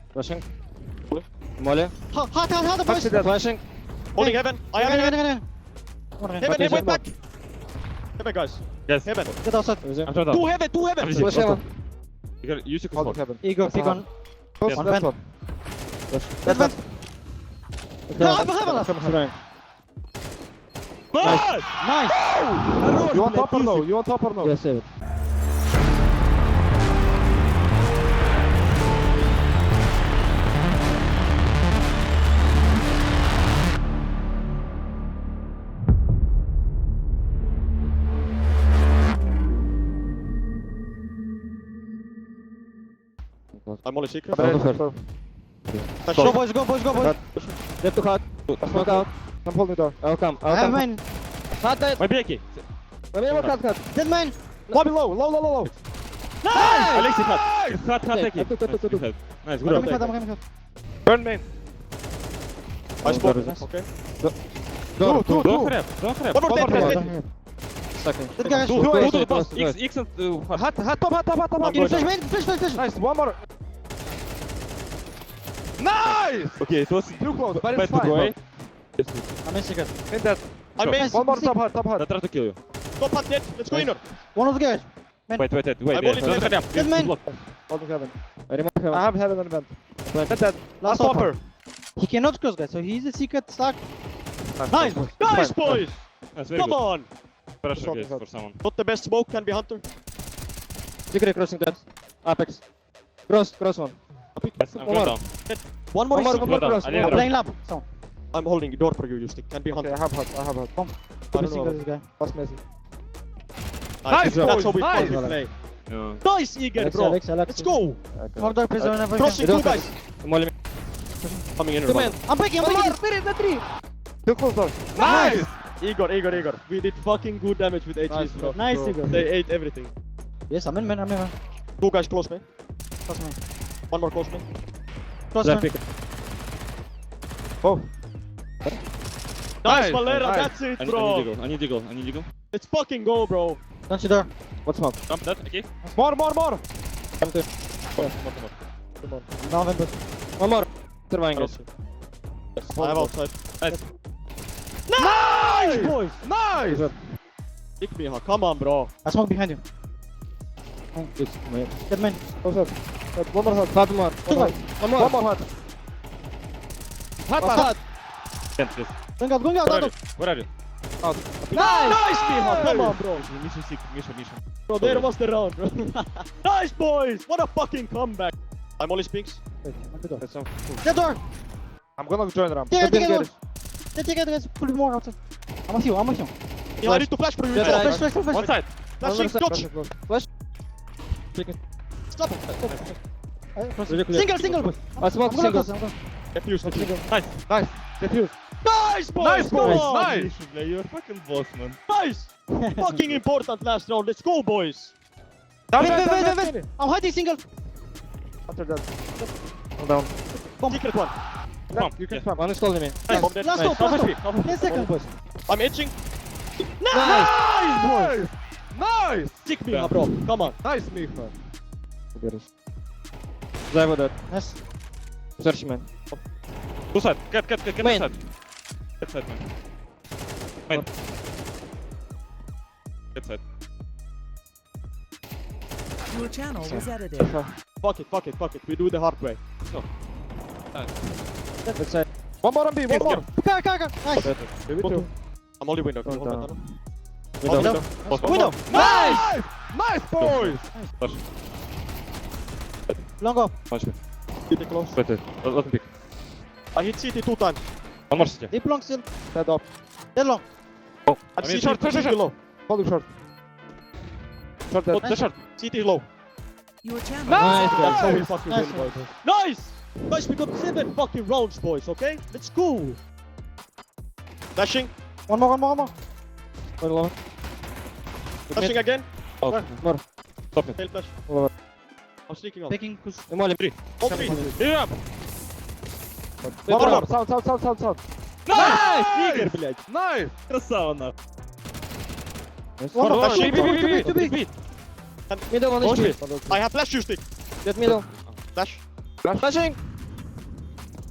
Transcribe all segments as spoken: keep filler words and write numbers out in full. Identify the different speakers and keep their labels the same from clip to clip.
Speaker 1: Flashing. Molly.
Speaker 2: Hot, hot, hot, hot, boys.
Speaker 1: Flashing.
Speaker 3: Holding heaven. I am
Speaker 2: Heaven,
Speaker 3: heaven.
Speaker 2: heaven, heaven.
Speaker 3: Heaven, heaven, back. Heaven, guys.
Speaker 4: Yes.
Speaker 3: Heaven.
Speaker 2: Get outside.
Speaker 4: I'm trying
Speaker 3: Two
Speaker 4: to.
Speaker 3: heaven, two heaven.
Speaker 4: Flash
Speaker 1: Flash heaven.
Speaker 4: You can use your
Speaker 1: Holding
Speaker 4: smoke.
Speaker 1: heaven.
Speaker 2: Ego, pick on.
Speaker 1: Close
Speaker 2: One
Speaker 1: left
Speaker 2: vent.
Speaker 1: one.
Speaker 2: Left vent. No, heaven, heaven.
Speaker 1: Heaven.
Speaker 4: Nice!
Speaker 2: Nice.
Speaker 1: You want top or no? You want top or no?
Speaker 5: Yes, save it.
Speaker 3: I'm only secret.
Speaker 1: Go
Speaker 2: Go, boys, go, boys, go, boys.
Speaker 5: Left to hot. Smoke out.
Speaker 1: I'm holding door.
Speaker 5: I'll come.
Speaker 2: I
Speaker 5: I'll
Speaker 2: have
Speaker 5: come.
Speaker 2: mine.
Speaker 5: Hot dead.
Speaker 4: My Becky.
Speaker 5: Maybe more cut, cut.
Speaker 2: Dead mine.
Speaker 1: Lobby low, low, low, low, low.
Speaker 4: Alexi cut. Cut, cut,
Speaker 5: Okay,
Speaker 4: take it.
Speaker 5: cut, cut, cut, cut, cut.
Speaker 4: Nice,
Speaker 2: I'm
Speaker 4: good
Speaker 2: coming
Speaker 4: job.
Speaker 2: cut, I'm coming cut.
Speaker 1: Burn main.
Speaker 3: I spot.
Speaker 5: Nice.
Speaker 3: Okay.
Speaker 1: Two, two,
Speaker 4: Don't
Speaker 1: two.
Speaker 4: grab, don't grab.
Speaker 3: One more
Speaker 1: One
Speaker 3: dead,
Speaker 1: more
Speaker 3: dead,
Speaker 1: dead.
Speaker 3: dead.
Speaker 5: Second.
Speaker 2: Dead guys.
Speaker 4: Do,
Speaker 1: Two,
Speaker 4: do,
Speaker 1: eight,
Speaker 4: do,
Speaker 1: eight,
Speaker 4: pass.
Speaker 5: eight,
Speaker 4: X, X and uh, hot.
Speaker 1: Hot, hot top, hot top, hot top.
Speaker 3: I'm
Speaker 2: Give me
Speaker 3: going
Speaker 2: flash, man. Flash, flash, flash.
Speaker 1: Nice, one more. Nice!
Speaker 4: Okay, it was
Speaker 1: Too close, but
Speaker 4: bad
Speaker 1: it's
Speaker 4: to
Speaker 1: fine.
Speaker 4: go
Speaker 1: bro.
Speaker 4: away.
Speaker 2: I'm in secret.
Speaker 1: Hit that.
Speaker 3: I'm in.
Speaker 1: One more top, hot, top,
Speaker 4: I
Speaker 1: hot.
Speaker 4: tried to kill you.
Speaker 3: Top hot dead. Let's go in.
Speaker 2: One of the guys.
Speaker 4: Wait, wait, wait, wait.
Speaker 3: I'm
Speaker 4: wait.
Speaker 3: only
Speaker 4: Don't
Speaker 3: seven.
Speaker 4: hurry up.
Speaker 2: Dead man.
Speaker 4: Block.
Speaker 1: Holding heaven.
Speaker 5: I remove heaven.
Speaker 1: I have heaven and vent. Hit that.
Speaker 2: Last
Speaker 1: Last topper.
Speaker 2: He cannot close, guys. So he's a secret stack.
Speaker 1: Nice.
Speaker 3: Nice, boys.
Speaker 4: That's very
Speaker 3: Come
Speaker 4: good.
Speaker 3: on.
Speaker 4: Pressure
Speaker 1: Shot,
Speaker 4: guys
Speaker 1: shot.
Speaker 4: for someone.
Speaker 3: Not the best smoke can be Hunter.
Speaker 5: Secret crossing dead. Apex. Cross, cross one.
Speaker 4: Yes, I'm
Speaker 5: One
Speaker 4: going
Speaker 5: more.
Speaker 4: down.
Speaker 3: One more
Speaker 5: One more,
Speaker 3: is
Speaker 5: one
Speaker 4: Go
Speaker 5: more
Speaker 4: down.
Speaker 5: cross.
Speaker 4: I need
Speaker 2: I'm
Speaker 4: a drop.
Speaker 2: playing lab. So,
Speaker 3: I'm holding the door for you, Justin. Can be
Speaker 1: Okay,
Speaker 3: Hunter.
Speaker 1: I have hot, I have hot.
Speaker 3: I
Speaker 2: I'm
Speaker 3: don't
Speaker 2: missing
Speaker 3: know.
Speaker 2: this guy.
Speaker 1: Pass Messi.
Speaker 3: Nice.
Speaker 1: Nice,
Speaker 3: That's how we
Speaker 1: nice.
Speaker 3: fucking play.
Speaker 4: Yeah.
Speaker 3: Nice, Eager,
Speaker 2: Alex,
Speaker 3: bro.
Speaker 2: Alex, Alex.
Speaker 3: Let's go.
Speaker 2: How dark prison whenever you
Speaker 3: Crossing
Speaker 2: can.
Speaker 3: two guys.
Speaker 5: Molly.
Speaker 3: Coming in.
Speaker 5: Two men.
Speaker 2: I'm breaking, I'm breaking.
Speaker 5: Spirit, the three.
Speaker 1: Too close door.
Speaker 3: Nice. Igor, Igor, Igor. We did fucking good damage with H Gs,
Speaker 1: Nice,
Speaker 3: bro.
Speaker 2: Nice,
Speaker 1: bro.
Speaker 2: Igor.
Speaker 3: They ate everything.
Speaker 2: Yes, I'm in, man. I'm in, man.
Speaker 3: Two guys close me.
Speaker 2: Trust me.
Speaker 3: One more close me.
Speaker 2: Trust
Speaker 5: Left
Speaker 2: me.
Speaker 5: pick.
Speaker 1: Oh.
Speaker 3: Nice,
Speaker 1: Nice,
Speaker 3: Valera.
Speaker 1: nice.
Speaker 3: That's
Speaker 4: I
Speaker 3: it,
Speaker 4: need, I need
Speaker 3: bro.
Speaker 4: eagle. I need eagle. I need eagle.
Speaker 3: Let's fucking go, bro.
Speaker 2: Don't you dare.
Speaker 5: What smoke?
Speaker 4: Jump that. Okay.
Speaker 1: More, more, more.
Speaker 5: Come to.
Speaker 3: Come on, come on.
Speaker 2: I'm down, Ventus.
Speaker 5: One more. Surviving guys.
Speaker 3: I have outside.
Speaker 4: Nice.
Speaker 3: Nice, boys.
Speaker 1: Nice.
Speaker 3: Pick me, huh? Come on, bro.
Speaker 2: I smoke behind you.
Speaker 5: It's my.
Speaker 2: Dead man.
Speaker 1: Close up. Hot, One more hot.
Speaker 5: Hot more.
Speaker 2: Two guys.
Speaker 5: One
Speaker 1: One
Speaker 5: more.
Speaker 1: more hot. Hot,
Speaker 5: Hot.
Speaker 1: hot.
Speaker 4: Yes, yes.
Speaker 2: Going out, going out,
Speaker 4: Where
Speaker 2: out.
Speaker 4: are you? Where are you?
Speaker 3: Nice, nice, Miha. Come on, bro.
Speaker 4: Mission six. Mission, mission.
Speaker 3: Bro, there was the round, bro. Nice, boys. What a fucking comeback. I'm only Spinks.
Speaker 2: Wait, I'm the door.
Speaker 1: That's some.
Speaker 2: Dead door.
Speaker 1: I'm gonna join ramp.
Speaker 2: Take it, take it,
Speaker 1: Get
Speaker 2: door. Take it, take it, guys. Pull more outside. I'm with you, I'm with you.
Speaker 3: Yeah, I need to flash for you.
Speaker 5: Yeah,
Speaker 3: Stop,
Speaker 5: right.
Speaker 2: Flash, flash, flash,
Speaker 4: One
Speaker 2: flash.
Speaker 4: side.
Speaker 3: Flashing, dodge. Stop.
Speaker 5: Really clear.
Speaker 2: Single, single, boys.
Speaker 5: I smoke
Speaker 2: I'm gonna
Speaker 5: single.
Speaker 2: close, I'm gonna-
Speaker 3: Defuse, defuse.
Speaker 4: Nice.
Speaker 1: Nice. Defuse.
Speaker 3: Nice, boys.
Speaker 1: Nice,
Speaker 3: Come
Speaker 1: boys.
Speaker 3: on.
Speaker 1: Nice.
Speaker 4: Mission play. You're fucking boss, man.
Speaker 3: Nice. Fucking important last round. Let's go, boys.
Speaker 1: Down,
Speaker 2: Wait,
Speaker 1: down,
Speaker 2: wait,
Speaker 1: down,
Speaker 2: wait,
Speaker 1: down,
Speaker 2: wait,
Speaker 1: down.
Speaker 2: I'm hiding single.
Speaker 1: After that.
Speaker 5: One down.
Speaker 3: Secret one.
Speaker 4: Come.
Speaker 1: You can
Speaker 4: Yeah.
Speaker 1: spam.
Speaker 5: One is calling me.
Speaker 3: Nice. Bomb dead.
Speaker 2: Last
Speaker 3: Nice.
Speaker 2: stop, last
Speaker 4: Half
Speaker 2: stop.
Speaker 4: H P. Half H P.
Speaker 2: ten seconds, boys.
Speaker 3: I'm itching.
Speaker 1: Nice, boys. Nice.
Speaker 3: Stick me,
Speaker 4: Yeah.
Speaker 3: huh, bro. Come on.
Speaker 1: Nice, Miha.
Speaker 5: Drive with that.
Speaker 2: Yes.
Speaker 5: Search man.
Speaker 4: Two side. Get, get, get, get
Speaker 5: Main.
Speaker 4: side. Get side, man. Main. Get side.
Speaker 6: Your channel was edited.
Speaker 3: Fuck it, fuck it, fuck it. We do the hard way.
Speaker 5: That side.
Speaker 1: One more on B. One more.
Speaker 2: Car, car, car. Nice.
Speaker 1: Maybe two.
Speaker 3: I'm only window.
Speaker 5: Going
Speaker 3: Hold
Speaker 5: down.
Speaker 3: on, hold
Speaker 5: Window.
Speaker 3: on.
Speaker 2: Window.
Speaker 3: Post
Speaker 2: Window.
Speaker 3: one.
Speaker 1: Nice. Nice, boys.
Speaker 4: Flash.
Speaker 2: Long go.
Speaker 4: Punch me.
Speaker 3: C T close.
Speaker 4: Wait, wait. Let let me pick.
Speaker 3: I hit C T two times.
Speaker 4: One more city.
Speaker 2: Deep long still.
Speaker 1: Head up.
Speaker 2: Dead long.
Speaker 4: Oh.
Speaker 3: I'm
Speaker 4: I
Speaker 3: C
Speaker 4: mean,
Speaker 3: T
Speaker 4: short, short,
Speaker 3: C T
Speaker 4: short, short.
Speaker 3: low.
Speaker 1: Hold him short. Short dead.
Speaker 4: Oh, the short.
Speaker 3: C T low.
Speaker 6: Your channel
Speaker 5: Nice,
Speaker 6: was
Speaker 3: That's how we
Speaker 6: edited.
Speaker 3: fucking
Speaker 2: Nice.
Speaker 3: win, boys. Nice! Guys, we got seven fucking rounds, boys, okay? Let's go! Flashing.
Speaker 2: One more, one more, one more.
Speaker 5: One lower.
Speaker 3: Flashing again.
Speaker 4: Oh,
Speaker 5: More.
Speaker 4: stop me.
Speaker 3: Tail flash.
Speaker 5: Lower.
Speaker 3: I'm sneaking on.
Speaker 2: Taking push.
Speaker 5: Molly.
Speaker 4: Three.
Speaker 3: All three.
Speaker 4: Yeah.
Speaker 1: One more. Sound, sound, sound, sound, sound.
Speaker 4: Nice! Игорь, блядь.
Speaker 1: Nice.
Speaker 4: Красава, на.
Speaker 2: One more.
Speaker 3: Flashing.
Speaker 2: Two big, two big, two big.
Speaker 4: Beat.
Speaker 5: Middle one
Speaker 4: Watch
Speaker 5: H
Speaker 4: me.
Speaker 5: P.
Speaker 3: I have flash you stick.
Speaker 5: Get middle.
Speaker 3: Flash.
Speaker 5: Flashing.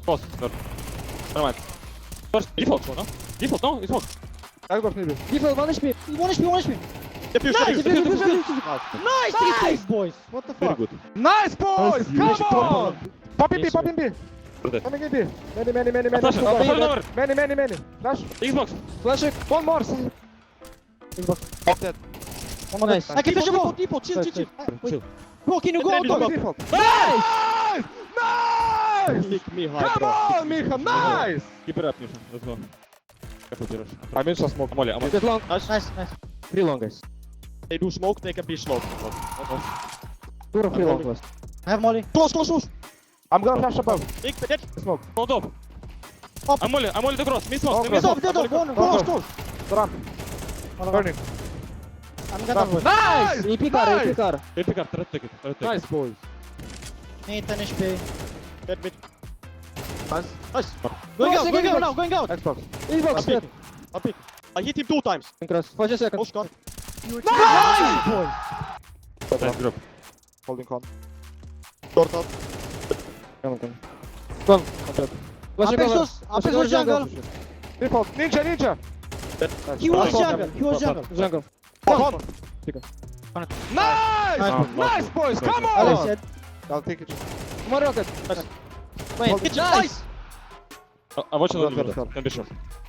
Speaker 4: Close. Door. Never mind. First, default, no? Default, no? It's smoke.
Speaker 1: Xbox maybe.
Speaker 2: Default, one H P. one H P, one H P.
Speaker 3: Defuse,
Speaker 2: Nice,
Speaker 3: defuse,
Speaker 2: defuse,
Speaker 3: defuse.
Speaker 2: defuse. Nice, three kills, boys. What the
Speaker 4: Very
Speaker 2: fuck?
Speaker 4: good.
Speaker 1: Nice boys!
Speaker 4: Nice.
Speaker 1: Come on! Pop in B,
Speaker 5: Yes,
Speaker 1: pop in B.
Speaker 4: Good.
Speaker 1: Coming in B. Many, many, many, many.
Speaker 4: Flash,
Speaker 1: Many,
Speaker 4: flash over.
Speaker 1: many, many, many. Flash.
Speaker 4: Xbox.
Speaker 1: Flash it. One more. Xbox. Off dead.
Speaker 2: One more nice. I can flash
Speaker 3: Default,
Speaker 2: you.
Speaker 3: default, chill, chill, chill.
Speaker 2: Wait. Bro, can you go
Speaker 3: Ready,
Speaker 2: out?
Speaker 3: go.
Speaker 1: Default. Nice! Nice!
Speaker 3: Kick me high,
Speaker 1: Come
Speaker 3: bro.
Speaker 1: on, Micha, nice!
Speaker 4: Keep it up, Misha. Let's go. Careful, Jirosh.
Speaker 1: I'm in smoke.
Speaker 4: I'm only, I'm only.
Speaker 5: Get long.
Speaker 3: Nice.
Speaker 2: Nice, nice.
Speaker 5: Three long, guys.
Speaker 3: They do smoke, they can be slow.
Speaker 5: Two or three long last.
Speaker 2: I have Molly.
Speaker 3: Close, close, close.
Speaker 1: I'm gonna flash above.
Speaker 3: Big, dead.
Speaker 1: Smoke.
Speaker 4: Hold up.
Speaker 2: Up.
Speaker 4: I'm only, I'm only the cross. Miss smoke.
Speaker 1: Oh,
Speaker 4: Miss
Speaker 1: cross.
Speaker 2: Dead
Speaker 4: smoke.
Speaker 2: off, dead off. One,
Speaker 1: Go,
Speaker 2: close,
Speaker 1: go.
Speaker 2: close.
Speaker 1: Ramp. Burning.
Speaker 2: I'm gonna boys.
Speaker 1: Nice!
Speaker 5: E P car, E P car.
Speaker 4: Hey, pick up. Try to take it. Try to take it.
Speaker 1: Nice, boys.
Speaker 2: Need ten H P.
Speaker 3: Dead mid.
Speaker 1: Nice.
Speaker 3: Nice.
Speaker 2: Going
Speaker 5: Nice,
Speaker 2: out, going
Speaker 5: Xbox.
Speaker 2: out now, going out.
Speaker 1: Xbox.
Speaker 5: Xbox,
Speaker 3: I'm
Speaker 5: dead.
Speaker 3: picking. I'm picking. I hit him two times.
Speaker 5: Cross. Watch a second.
Speaker 3: Oh, Scott.
Speaker 6: Your channel.
Speaker 2: Boys.
Speaker 4: Nice drop.
Speaker 1: Holding con.
Speaker 3: Short out.
Speaker 5: Come on, come on. Come. Watch a cover.
Speaker 2: Apexos,
Speaker 5: Watch a
Speaker 2: Apexos jungle.
Speaker 1: Default. Ninja, ninja.
Speaker 2: He was
Speaker 1: Nice.
Speaker 2: jungle, he was jungle.
Speaker 5: Jungle.
Speaker 1: Con.
Speaker 2: Nice.
Speaker 1: Nice!
Speaker 2: Nice.
Speaker 1: Nice, boys. Come
Speaker 2: Alex
Speaker 1: on!
Speaker 2: said,
Speaker 1: I'll take it.
Speaker 5: More rocket. Wait.
Speaker 1: Hold
Speaker 3: Hit
Speaker 1: it.
Speaker 3: nice.
Speaker 4: Uh, I'm watching
Speaker 1: I'm
Speaker 4: the
Speaker 1: not
Speaker 4: window.
Speaker 1: gonna
Speaker 4: Can be short.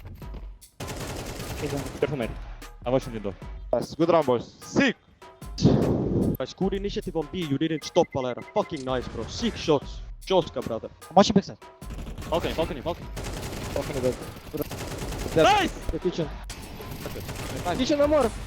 Speaker 4: Careful, mate. I'm watching window.
Speaker 1: Nice. Good round, boys. Sick.
Speaker 3: Guys, good initiative on B. You didn't stop, Valera. Fucking nice, bro. Six shots. Joska, brother.
Speaker 2: I'm watching backside.
Speaker 4: Balcony, balcony, balcony.
Speaker 1: Talking about
Speaker 4: Nice!
Speaker 5: The kitchen. Kitchen no more.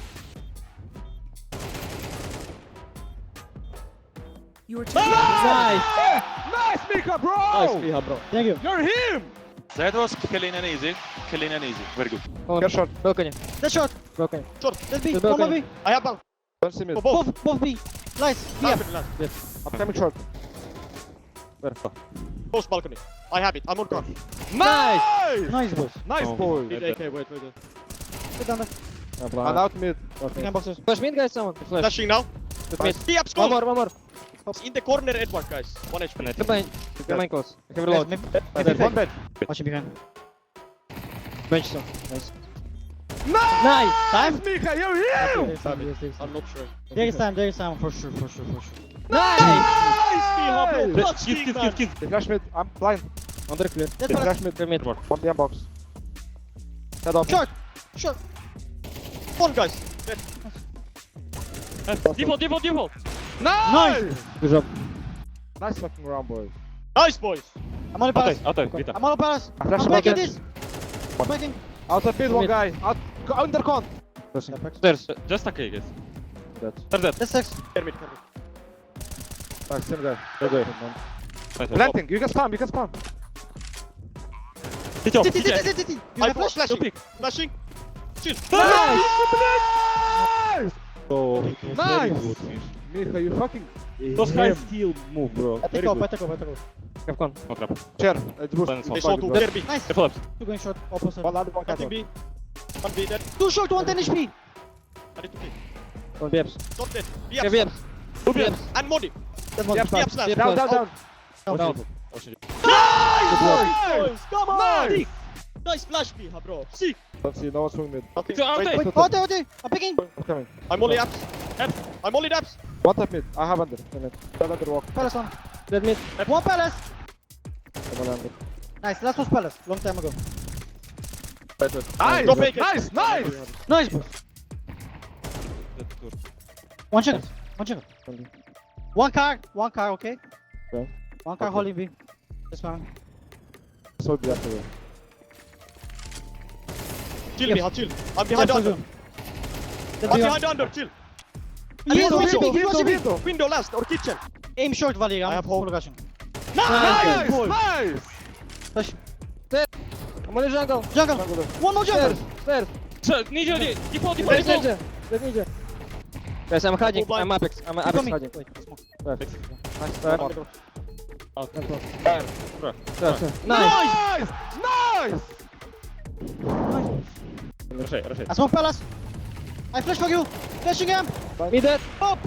Speaker 6: Your channel was edited.
Speaker 5: Nice.
Speaker 1: Nice, Mika, bro!
Speaker 3: Nice, Piha, bro.
Speaker 2: Thank you.
Speaker 1: You're him!
Speaker 7: That was clean and easy. Clean and easy. Very good.
Speaker 5: Come
Speaker 1: Get
Speaker 5: on.
Speaker 1: shot.
Speaker 5: Balcony.
Speaker 2: That's short.
Speaker 5: Balcony.
Speaker 3: Short.
Speaker 2: That's B.
Speaker 5: The
Speaker 2: One more
Speaker 5: balcony.
Speaker 2: B.
Speaker 3: I have down.
Speaker 1: Don't see me.
Speaker 3: For both.
Speaker 2: Both, both B. Nice. B.
Speaker 3: Balcony last.
Speaker 1: I'm coming short.
Speaker 3: Post balcony. I have it. I'm on car.
Speaker 1: Nice!
Speaker 2: Nice, boys.
Speaker 1: Nice,
Speaker 4: Oh.
Speaker 1: boy.
Speaker 3: Need A K. Wait, wait, wait.
Speaker 2: Get down there.
Speaker 1: And out mid.
Speaker 2: You can boxes.
Speaker 5: Flash mid, guys. Someone. Flash.
Speaker 3: Flashing now.
Speaker 5: With mid.
Speaker 3: B up,
Speaker 5: One
Speaker 3: score.
Speaker 5: more, one more.
Speaker 3: In the corner, Edward, guys. One H P.
Speaker 5: Good line. Good line close. I have
Speaker 2: Nice.
Speaker 5: reload.
Speaker 2: Maybe,
Speaker 1: Dead.
Speaker 2: maybe
Speaker 1: One bed.
Speaker 2: watch him behind.
Speaker 5: Bench some. Nice.
Speaker 1: Nice!
Speaker 2: Nice. Time.
Speaker 1: Mika, you're him!
Speaker 2: There is time, there is- there is
Speaker 3: I'm
Speaker 2: time.
Speaker 3: not sure.
Speaker 2: There is time, there is time, for sure, for sure, for sure.
Speaker 1: Nice!
Speaker 3: Piha, bro. Clutch
Speaker 4: Kill,
Speaker 3: kick,
Speaker 4: kill,
Speaker 3: man.
Speaker 4: kill, kill.
Speaker 1: They flash mid. I'm blind.
Speaker 5: Under clear.
Speaker 2: That's
Speaker 1: They
Speaker 2: what I-
Speaker 1: flash mid.
Speaker 5: Clear mid.
Speaker 1: One B M box. Head up.
Speaker 2: Short. Short.
Speaker 3: One, guys. Dead.
Speaker 4: Default, default, default.
Speaker 1: Nice!
Speaker 5: Good job.
Speaker 1: Nice fucking round, boys.
Speaker 3: Nice, boys.
Speaker 2: I'm on the palace.
Speaker 4: Outside, outside, Vita.
Speaker 2: I'm on the palace.
Speaker 1: I flash
Speaker 2: I'm
Speaker 1: him
Speaker 2: breaking
Speaker 1: again.
Speaker 2: this. I'm breaking.
Speaker 1: Outside mid, one
Speaker 5: Mid.
Speaker 1: guy. Out. Go under con.
Speaker 5: Crossing. Stairs.
Speaker 4: Just a K, guys.
Speaker 5: Dead.
Speaker 4: They're dead.
Speaker 2: That's six.
Speaker 3: Kermit, Kermit.
Speaker 1: Nice, same guy.
Speaker 5: Good way.
Speaker 4: Nice.
Speaker 1: Planting. You can spam. You can spam.
Speaker 4: Hit your,
Speaker 2: T, T,
Speaker 4: hit
Speaker 2: T,
Speaker 4: your.
Speaker 2: T, T, T. You
Speaker 3: I
Speaker 2: have
Speaker 3: flash.
Speaker 2: flash?
Speaker 3: Flashing.
Speaker 4: pick.
Speaker 3: Flashing. Chill.
Speaker 1: Nice!
Speaker 4: Oh,
Speaker 1: Nice! Mika, you fucking.
Speaker 4: those guys still move, bro.
Speaker 2: I take
Speaker 4: Very
Speaker 2: off, I
Speaker 4: good.
Speaker 2: take off, I take off.
Speaker 5: Have con.
Speaker 4: No trap.
Speaker 1: Chair. It's boost.
Speaker 4: Silence,
Speaker 3: They
Speaker 4: one.
Speaker 3: saw two.
Speaker 1: Bro.
Speaker 3: Kermit.
Speaker 2: Nice.
Speaker 4: Careful left.
Speaker 2: Two going short, opposite.
Speaker 1: One under, one
Speaker 3: Nothing
Speaker 1: cat.
Speaker 3: B. One B dead.
Speaker 2: Two short, one ten H P.
Speaker 3: I need to kill.
Speaker 5: One B Fs.
Speaker 3: Not dead. B
Speaker 5: Yeah,
Speaker 3: up.
Speaker 5: B Fs.
Speaker 4: Two B Fs.
Speaker 3: And Modi.
Speaker 2: That one.
Speaker 1: Yep,
Speaker 3: B up slash.
Speaker 5: Yep.
Speaker 1: Down, down, down.
Speaker 5: Down.
Speaker 4: Oh, shit.
Speaker 3: Nice, boys. Come on.
Speaker 1: Nice!
Speaker 3: Nice flash, Piha, bro. Sick.
Speaker 1: Don't see, no one's swing mid.
Speaker 3: Nothing.
Speaker 4: So, outside.
Speaker 3: Wait,
Speaker 2: Wait, oh, there, oh, there. I'm picking.
Speaker 1: I'm coming.
Speaker 3: I'm only apps.
Speaker 4: Apps.
Speaker 3: I'm only apps.
Speaker 1: One tap mid. I have under. Minute. Tell under walk.
Speaker 2: Palace on.
Speaker 5: Dead mid.
Speaker 2: One palace.
Speaker 1: Come on, under.
Speaker 2: Nice, last was palace. Long time ago.
Speaker 1: Nice!
Speaker 3: Go fake it.
Speaker 1: Nice! Nice!
Speaker 2: Nice, boys.
Speaker 4: Dead, two.
Speaker 2: One second. One second. One car. One car, okay?
Speaker 1: Okay.
Speaker 2: One car
Speaker 1: Okay.
Speaker 2: holding B. That's fine.
Speaker 1: So be after you.
Speaker 3: Chill,
Speaker 2: Yes.
Speaker 3: Piha, chill. I'm behind the under.
Speaker 2: That's
Speaker 3: I'm
Speaker 2: B.
Speaker 3: behind the under. Chill.
Speaker 2: He was watching me. He was
Speaker 1: Window,
Speaker 2: watching me.
Speaker 1: window.
Speaker 3: Window last or kitchen.
Speaker 2: Aim short, Valir.
Speaker 3: I
Speaker 2: I'm
Speaker 3: have
Speaker 2: full
Speaker 3: hope.
Speaker 2: rushing.
Speaker 1: Nice!
Speaker 3: boy.
Speaker 1: Nice!
Speaker 2: Push.
Speaker 5: I'm on the jungle.
Speaker 2: Jungle. One more jungle.
Speaker 5: Stairs. Stairs.
Speaker 4: So, ninja, default, default,
Speaker 5: Dead
Speaker 4: default.
Speaker 5: ninja. Dead ninja. Guys, I'm hiding.
Speaker 3: blind.
Speaker 5: I'm Apex. I'm
Speaker 2: Keep
Speaker 5: Apex
Speaker 2: coming.
Speaker 5: hiding.
Speaker 2: Wait, smoke.
Speaker 5: Perfect.
Speaker 1: Nice.
Speaker 5: Stairs.
Speaker 4: Out.
Speaker 5: Stairs.
Speaker 4: Bro.
Speaker 5: Stairs. Nice.
Speaker 1: Nice! Nice!
Speaker 4: Rushaj, rushaj.
Speaker 2: I smoke palace. I flash for you. Flashing him.
Speaker 5: Mid dead.
Speaker 2: Up.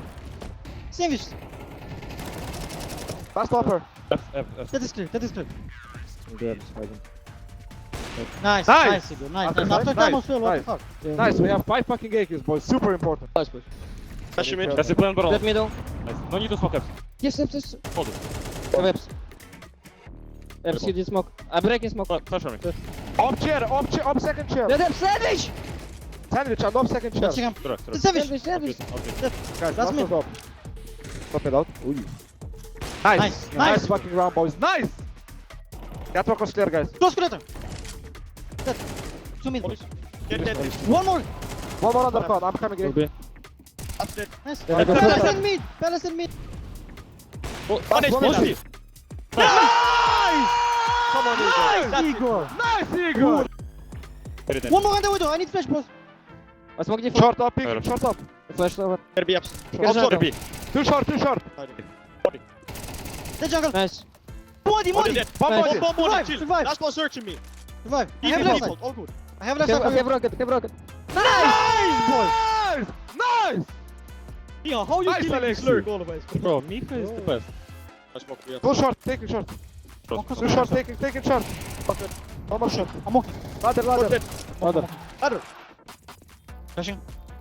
Speaker 2: Sandwich.
Speaker 1: Last upper.
Speaker 4: F, F, F.
Speaker 2: That is clear. That is clear.
Speaker 5: Good, hiding.
Speaker 2: Nice,
Speaker 1: Nice.
Speaker 2: nice, Sigurd. Nice,
Speaker 1: After
Speaker 2: nice. After
Speaker 1: nice,
Speaker 2: time as well, what
Speaker 1: nice.
Speaker 2: the fuck?
Speaker 5: Yeah.
Speaker 1: Nice, we have five fucking A Ks, boys. Super important.
Speaker 5: Nice, push.
Speaker 7: Flash him in.
Speaker 4: That's the plan, bro.
Speaker 5: Dead middle.
Speaker 4: Nice. No need to smoke up.
Speaker 5: Yes, yes, yes.
Speaker 4: Hold it.
Speaker 5: Have Eps. Eps, you did smoke. I'm breaking smoke.
Speaker 4: Flash flash on me.
Speaker 1: Up chair, up chair, up second chair.
Speaker 5: Dead Eps, sandwich!
Speaker 1: Sandwich and up second chair.
Speaker 2: Touching him.
Speaker 4: Direct, direct.
Speaker 2: Savage.
Speaker 5: Sandwich, sandwich.
Speaker 4: Okay.
Speaker 1: Guys,
Speaker 2: That's
Speaker 1: last
Speaker 2: me.
Speaker 1: one up. Stop it out. Ooh. Nice.
Speaker 2: Nice,
Speaker 1: Nice.
Speaker 2: nice.
Speaker 1: fucking round, boys. Nice. Catwalk was clear, guys.
Speaker 2: Close connector. Dead. Two mid.
Speaker 7: Get dead.
Speaker 2: One more.
Speaker 1: One more undercut. I'm coming in.
Speaker 5: Okay.
Speaker 7: That's dead.
Speaker 2: Nice.
Speaker 5: Yeah, I got
Speaker 2: Palace
Speaker 5: two.
Speaker 2: and mid. Palace and mid.
Speaker 7: One H
Speaker 1: one
Speaker 7: P.
Speaker 1: more.
Speaker 7: Nice! Come on, Igor. That's it.
Speaker 2: Igor.
Speaker 1: Nice, Igor.
Speaker 4: Very dead.
Speaker 2: One more under window. I need flash, boss.
Speaker 5: I smoke default.
Speaker 1: Short up,
Speaker 4: Alright.
Speaker 1: picking, short up.
Speaker 5: Flash over.
Speaker 7: Better be up.
Speaker 5: Get
Speaker 7: Also,
Speaker 5: shot.
Speaker 7: B.
Speaker 1: Too short, too short.
Speaker 2: Dead jungle.
Speaker 5: Nice.
Speaker 2: Modi,
Speaker 7: One
Speaker 2: Modi.
Speaker 7: dead.
Speaker 1: One
Speaker 5: Nice.
Speaker 1: body.
Speaker 7: Bomb, bomb,
Speaker 2: Survive,
Speaker 7: chill.
Speaker 2: survive.
Speaker 7: Last one searching me.
Speaker 2: Survive. I
Speaker 7: Easy
Speaker 2: have left
Speaker 7: default.
Speaker 2: side.
Speaker 7: All good.
Speaker 2: I have left
Speaker 5: Have,
Speaker 2: side.
Speaker 5: have rocket, have rocket.
Speaker 1: Nice, boys. Nice. Nice.
Speaker 3: Yeah, how you
Speaker 1: Nice,
Speaker 3: killing
Speaker 1: Alex.
Speaker 3: this lurk always?
Speaker 4: Bro, Mika is the best.
Speaker 7: I smoke we have.
Speaker 1: Go short, taking short. Too short, taking, taking short.
Speaker 7: Okay.
Speaker 1: One more shot.
Speaker 2: I'm okay.
Speaker 1: Ladder, ladder.
Speaker 7: Dead.
Speaker 5: Ladder.
Speaker 7: Ladder.
Speaker 2: Flashing.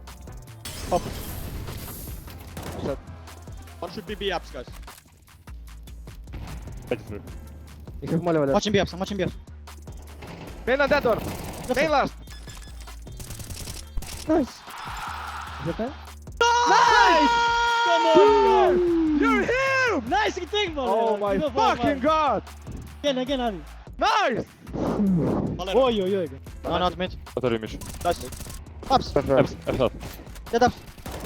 Speaker 7: One should be B apps, guys.
Speaker 4: Take it through.
Speaker 5: You have molly over there.
Speaker 2: Watching B ups. I'm watching B ups.
Speaker 1: Main on that door. Main last.
Speaker 5: Nice. Is that time?
Speaker 3: Come on!
Speaker 1: You're here.
Speaker 3: Nice thing, man!
Speaker 1: Oh my
Speaker 3: Give a fuck,
Speaker 1: fucking
Speaker 3: man.
Speaker 1: god.
Speaker 3: Again, again, Ali.
Speaker 1: Nice.
Speaker 3: Oj, oj, oj.
Speaker 2: No, not mid.
Speaker 4: What are you mission?
Speaker 7: Nice.
Speaker 2: Ups.
Speaker 4: F, F top.
Speaker 2: Dead ups.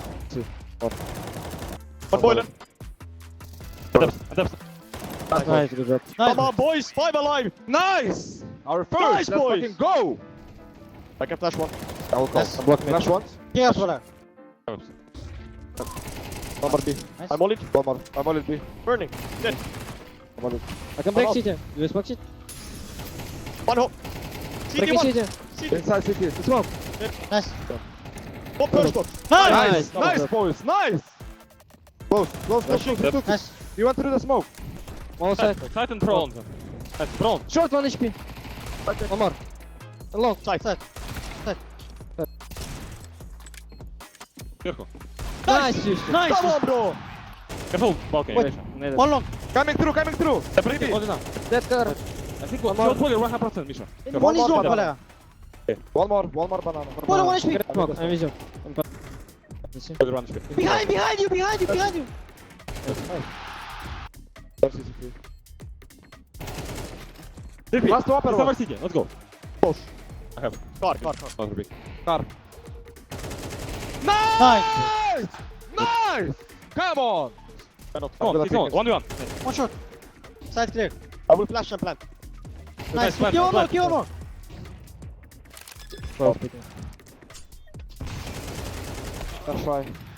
Speaker 7: One boiler.
Speaker 4: F, F.
Speaker 5: Nice, good job.
Speaker 7: Come on, boys. Five alive.
Speaker 1: Nice. Our first.
Speaker 7: Nice,
Speaker 1: Let's
Speaker 7: boys.
Speaker 1: fucking go.
Speaker 7: I can flash one.
Speaker 1: I will
Speaker 2: Yes.
Speaker 1: come. Block flash once.
Speaker 2: Yeah, brother.
Speaker 1: One more B.
Speaker 2: Nice.
Speaker 7: I'm all in.
Speaker 1: One more. I'm on it B.
Speaker 7: Burning. Dead.
Speaker 1: I'm on it.
Speaker 5: I can break
Speaker 7: Come
Speaker 5: C T. You smoke shit?
Speaker 7: One hole. C T
Speaker 5: Breaking
Speaker 7: one.
Speaker 5: C T.
Speaker 7: C T.
Speaker 1: Inside city.
Speaker 5: Smoke.
Speaker 2: Nice.
Speaker 7: One first box.
Speaker 1: Nice.
Speaker 5: Nice.
Speaker 1: Nice, boys. Nice. Close. Close. Close. Close. Close.
Speaker 2: Nice.
Speaker 1: You went through the smoke.
Speaker 5: One side.
Speaker 4: Titan prone. Nice, prone.
Speaker 5: Short one H P. One more. Long.
Speaker 2: Side. Side.
Speaker 4: Careful.
Speaker 5: Nice, Houston.
Speaker 3: Nice!
Speaker 1: Come on, bro.
Speaker 4: Careful. Balcony.
Speaker 5: Wait. Need
Speaker 2: One long.
Speaker 1: Coming through. Coming through.
Speaker 4: Separate it. Hold it now.
Speaker 5: Dead car.
Speaker 4: I think one more. Pull one hundred percent, Misha.
Speaker 2: One is
Speaker 1: more
Speaker 2: long,
Speaker 1: banana.
Speaker 2: Palea.
Speaker 1: One more. One more banana.
Speaker 2: One, one H P.
Speaker 5: Get smoke. I'm vision.
Speaker 4: Hold one H P.
Speaker 2: Behind, behind you, behind you, behind you.
Speaker 4: Repeat.
Speaker 1: Last upper
Speaker 4: It's
Speaker 1: one.
Speaker 4: our city. Let's go.
Speaker 1: Push.
Speaker 4: I have it.
Speaker 7: Car, car, car.
Speaker 4: Not repeat.
Speaker 1: Nice.
Speaker 2: Nice.
Speaker 1: Nice. Come on.
Speaker 7: Cannot.
Speaker 4: Come on, it's on. One v one.
Speaker 2: One shot. Side clear.
Speaker 7: I will flash and plant.
Speaker 2: Nice.
Speaker 4: plan,
Speaker 2: Kill one more,
Speaker 4: plan.
Speaker 2: kill one more.
Speaker 1: That's right.